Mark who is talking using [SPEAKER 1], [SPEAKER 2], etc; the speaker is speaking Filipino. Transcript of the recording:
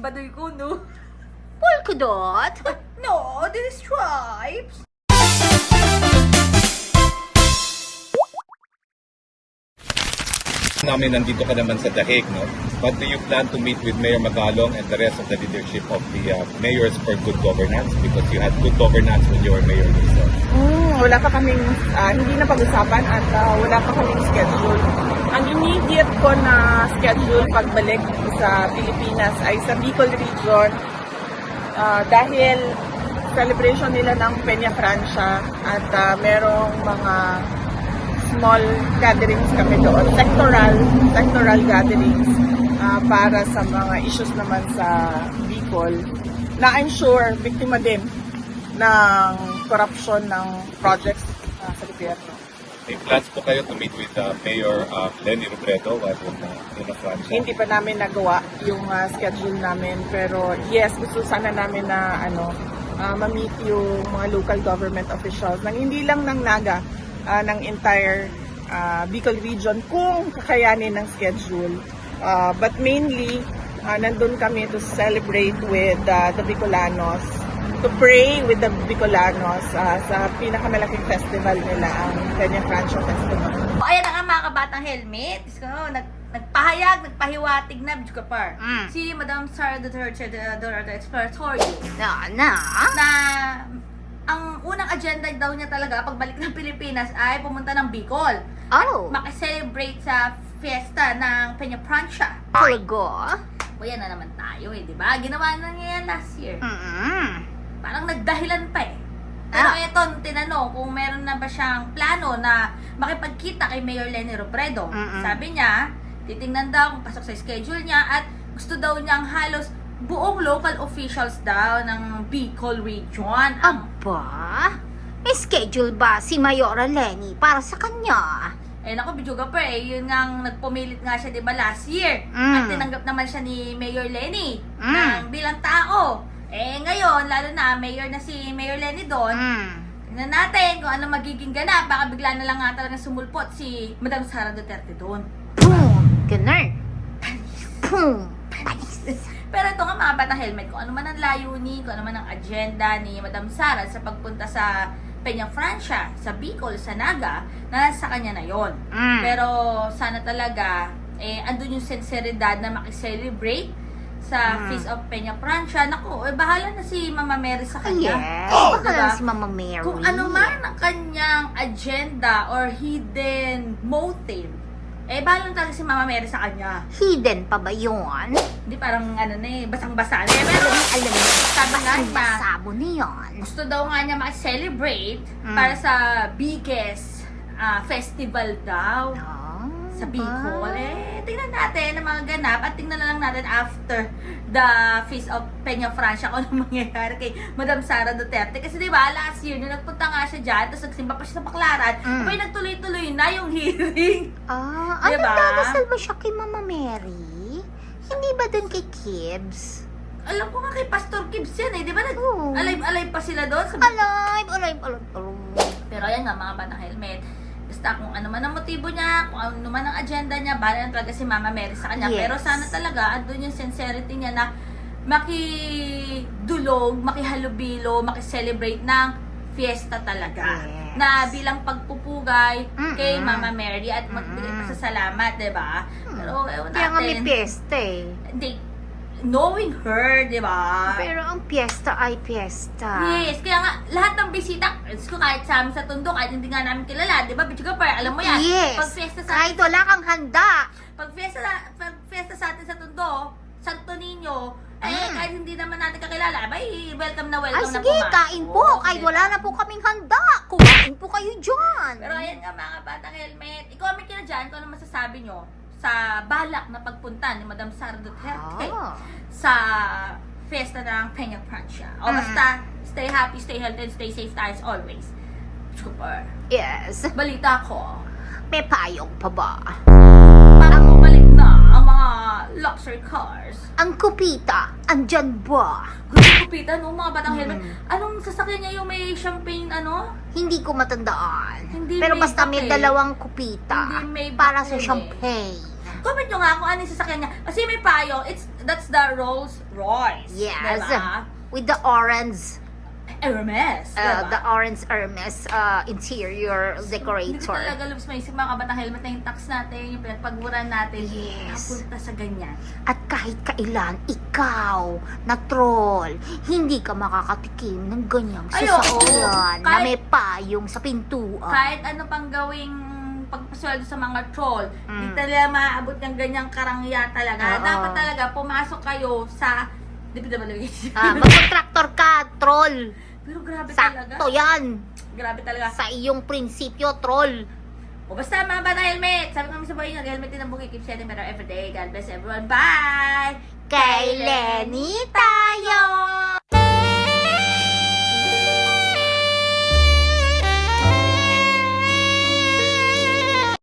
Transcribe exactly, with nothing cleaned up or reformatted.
[SPEAKER 1] Baduy ko, no?
[SPEAKER 2] Polka dot?
[SPEAKER 1] No, this is stripes.
[SPEAKER 3] Namin nandito ka naman sa Dahig, no? But do you plan to meet with Mayor Magalong and the rest of the leadership of the uh, mayors for good governance? Because you had good governance when you were mayor yourself.
[SPEAKER 4] Mm, wala pa kaming, ah, hindi na pag-usapan at ah, wala pa kaming schedule. Ang immediate ko na schedule pagbalik sa Pilipinas ay sa Bicol Region ah, dahil celebration nila ng Peña Francia at ah, merong mga small gatherings kami doon, sectoral, sectoral gatherings ah, para sa mga issues naman sa Bicol na I'm sure biktima din ng corruption ng projects ah, sa gobyerno.
[SPEAKER 3] May plans po kayo to meet with uh, Mayor uh, Leni Robredo while in, uh, in Francia?
[SPEAKER 4] Hindi pa namin nagawa yung ah, schedule namin pero yes, gusto sana namin na ano, ah, ma-meet yung mga local government officials ng hindi lang ng Naga, ah, ng entire ah, Bicol region kung kakayanin ng schedule. Ah, but mainly, ah, nandun kami to celebrate with ah, the Bicolanos, to pray with the Bicolanos ah, sa pinakamalaking festival nila, ang Peña Francia Festival.
[SPEAKER 1] O, ayan na nga mga kabatang helmet. Diyos ko, nag, nagpahayag, nagpahiwatig na, Diyos ko par.
[SPEAKER 2] Mm.
[SPEAKER 1] Si Madam Sara Duterte, the Duterte Exploratory,
[SPEAKER 2] Na, na?
[SPEAKER 1] na ang unang agenda daw niya talaga pagbalik ng Pilipinas ay pumunta ng Bicol.
[SPEAKER 2] Oh.
[SPEAKER 1] Makiselebrate sa fiesta ng Peña Francia.
[SPEAKER 2] Talaga?
[SPEAKER 1] O yan na naman tayo eh, di ba? Ginawa na niya yan last year.
[SPEAKER 2] Mm-mm.
[SPEAKER 1] Parang nagdahilan pa eh. Pero
[SPEAKER 2] Ah.
[SPEAKER 1] eto, tinanong kung meron na ba siyang plano na makipagkita kay Mayor Leni Robredo.
[SPEAKER 2] Mm-mm.
[SPEAKER 1] Sabi niya, titingnan daw kung pasok sa schedule niya at gusto daw niyang halos buong local officials daw ng Bicol Region ang
[SPEAKER 2] Aba? May schedule ba si Mayora Leni para sa kanya?
[SPEAKER 1] eh naku, Bijuga pa eh, yun nga ang nagpumilit nga siya, di ba, last year.
[SPEAKER 2] Mm.
[SPEAKER 1] At tinanggap naman siya ni Mayor Leni
[SPEAKER 2] Mm.
[SPEAKER 1] ng bilang tao. Eh ngayon, lalo na, mayor na si Mayor Leni doon,
[SPEAKER 2] Mm.
[SPEAKER 1] tingnan natin kung ano magiging ganap. Baka bigla na lang nga talaga sumulpot si Madam Sara Duterte doon.
[SPEAKER 2] Boom! Ganun. Boom!
[SPEAKER 1] Pero ito nga mga batang helmet, kung ano man ang layunin, kung ano man ang agenda ni Madam Sara sa pagpunta sa Peña Francia, sa Bicol, sa Naga, nasa kanya na yon.
[SPEAKER 2] Mm.
[SPEAKER 1] Pero sana talaga, eh, andun yung sinseridad na makiselebrate sa
[SPEAKER 2] Mm.
[SPEAKER 1] Feast of Peña Francia. Naku, eh, bahala na si Mama Mary sa kanya.
[SPEAKER 2] Yes.
[SPEAKER 1] Oh,
[SPEAKER 2] Baka
[SPEAKER 1] diba?
[SPEAKER 2] lang si Mama Mary.
[SPEAKER 1] Kung ano man ang kanyang agenda or hidden motive, eh, bahala na talaga si Mama Mary sa kanya.
[SPEAKER 2] Hidden pa ba yun?
[SPEAKER 1] Hindi parang ano na eh, basang-basa na eh. Pero
[SPEAKER 2] Alam mo,
[SPEAKER 1] sabi nga
[SPEAKER 2] ang
[SPEAKER 1] ba,
[SPEAKER 2] basabo niyan.
[SPEAKER 1] gusto daw nga niya makiselebrate
[SPEAKER 2] Mm.
[SPEAKER 1] para sa biggest ah, festival daw
[SPEAKER 2] Ah,
[SPEAKER 1] sa Bicol.
[SPEAKER 2] ba?
[SPEAKER 1] Eh, tingnan natin ang mga ganap at tingnan na lang natin after the Feast of Peña Francia kung ano mangyayari kay Madam Sara Duterte. Kasi di ba last year, nung nagpunta nga siya dyan, tapos nagsimba pa siya sa Baclaran,
[SPEAKER 2] Mm.
[SPEAKER 1] abay nagtuloy-tuloy na yung hearing.
[SPEAKER 2] Ah, ano
[SPEAKER 1] Diba?
[SPEAKER 2] dadasal ba siya kay Mama Mary? Hindi ba dun kay Kibbs?
[SPEAKER 1] Alam ko nga kay Pastor Gibbs yan eh, di ba? Nag-
[SPEAKER 2] Oo.
[SPEAKER 1] alive-alive pa sila doon. Sa
[SPEAKER 2] Alive, alive, alive, alive.
[SPEAKER 1] Pero ayan nga mga batang helmet, basta kung ano man ang motibo niya, kung ano man ang agenda niya, bahala na talaga si Mama Mary sa kanya.
[SPEAKER 2] Yes.
[SPEAKER 1] Pero sana talaga, andun yung sincerity niya na makidulog, makihalubilo, makiselebrate ng fiesta talaga.
[SPEAKER 2] Yes.
[SPEAKER 1] Na bilang pagpupugay
[SPEAKER 2] Mm-mm.
[SPEAKER 1] kay Mama Mary at magbigay
[SPEAKER 2] Mm-mm.
[SPEAKER 1] pa sa salamat, di ba? Pero ewan
[SPEAKER 2] Kaya nga may
[SPEAKER 1] natin,
[SPEAKER 2] piyesta eh.
[SPEAKER 1] hindi, knowing her, di ba?
[SPEAKER 2] Pero ang piyesta ay piyesta.
[SPEAKER 1] Yes, kaya nga, lahat ng bisita, Diyos ko, kahit sa amin sa Tondo, kahit hindi nga namin kilala, di ba, Bichuga Par, alam mo yan,
[SPEAKER 2] Yes.
[SPEAKER 1] pag fiesta sa
[SPEAKER 2] Kahit wala kang handa.
[SPEAKER 1] pag fiesta, pag fiesta sa atin sa Tondo, Santo Niño, eh,
[SPEAKER 2] Mm.
[SPEAKER 1] kahit hindi naman natin kakilala, bay, welcome na
[SPEAKER 2] Ay
[SPEAKER 1] welcome na
[SPEAKER 2] sige,
[SPEAKER 1] po, ma.
[SPEAKER 2] kain po.
[SPEAKER 1] Oo,
[SPEAKER 2] Kahit
[SPEAKER 1] di
[SPEAKER 2] wala
[SPEAKER 1] ba?
[SPEAKER 2] na po kaming handa. Kumain po kayo dyan.
[SPEAKER 1] Pero ayan nga mga batang helmet, i-comment nyo na dyan kung ano masasabi nyo sa balak na pagpunta ni Madam Sara Duterte
[SPEAKER 2] Ah.
[SPEAKER 1] sa fiesta ng Peña Francia. O
[SPEAKER 2] Mm.
[SPEAKER 1] basta, stay happy, stay healthy, and stay safe tayo as always. Super.
[SPEAKER 2] Yes.
[SPEAKER 1] Balita ko,
[SPEAKER 2] May payong pa ba?
[SPEAKER 1] parang bumalik na ang mga luxury cars.
[SPEAKER 2] Ang kupita, andyan ba?
[SPEAKER 1] Gusto kupitan, no, mga batang helmet.
[SPEAKER 2] Mm.
[SPEAKER 1] Anong sasakyan niya yung may champagne, ano?
[SPEAKER 2] Hindi ko matandaan.
[SPEAKER 1] Hindi
[SPEAKER 2] Pero
[SPEAKER 1] may
[SPEAKER 2] basta may
[SPEAKER 1] papel.
[SPEAKER 2] dalawang kupita
[SPEAKER 1] Hindi may
[SPEAKER 2] para sa
[SPEAKER 1] papel eh.
[SPEAKER 2] champagne.
[SPEAKER 1] Comment nyo nga kung ano yung sasakyan niya. Kasi may payo, it's, that's the Rolls Royce.
[SPEAKER 2] Yes.
[SPEAKER 1] Diba?
[SPEAKER 2] With the orange,
[SPEAKER 1] Hermes.
[SPEAKER 2] uh,
[SPEAKER 1] diba?
[SPEAKER 2] the orange Hermes uh, interior
[SPEAKER 1] Hindi ko
[SPEAKER 2] decorator.
[SPEAKER 1] talaga lubos maisip mga kabatang helmet na yung tax natin, yung pinagpaguran natin.
[SPEAKER 2] Yes.
[SPEAKER 1] Napunta sa ganyan.
[SPEAKER 2] At kahit kailan, ikaw, na troll, hindi ka makakatikim ng ganyang
[SPEAKER 1] Ay, oo.
[SPEAKER 2] sasakyan na
[SPEAKER 1] Kahit-
[SPEAKER 2] may payong sa pintuan.
[SPEAKER 1] Kahit ano pang gawing pagpasweldo sa mga troll, hindi
[SPEAKER 2] Mm.
[SPEAKER 1] talaga maaabot ng ganyang karangya talaga.
[SPEAKER 2] Oo.
[SPEAKER 1] Dapat talaga pumasok kayo sa D P W H.
[SPEAKER 2] Ah, magkontraktor ka, troll.
[SPEAKER 1] Pero grabe talaga.
[SPEAKER 2] Sakto yan.
[SPEAKER 1] Grabe talaga.
[SPEAKER 2] Sa iyong prinsipyo, troll.
[SPEAKER 1] O basta mga bata helmet. Sabi kami sa buhay nyo, helmet din ang buhay. Keep shedding better every day. God bless everyone. Bye!
[SPEAKER 2] Kay Lenny tayo!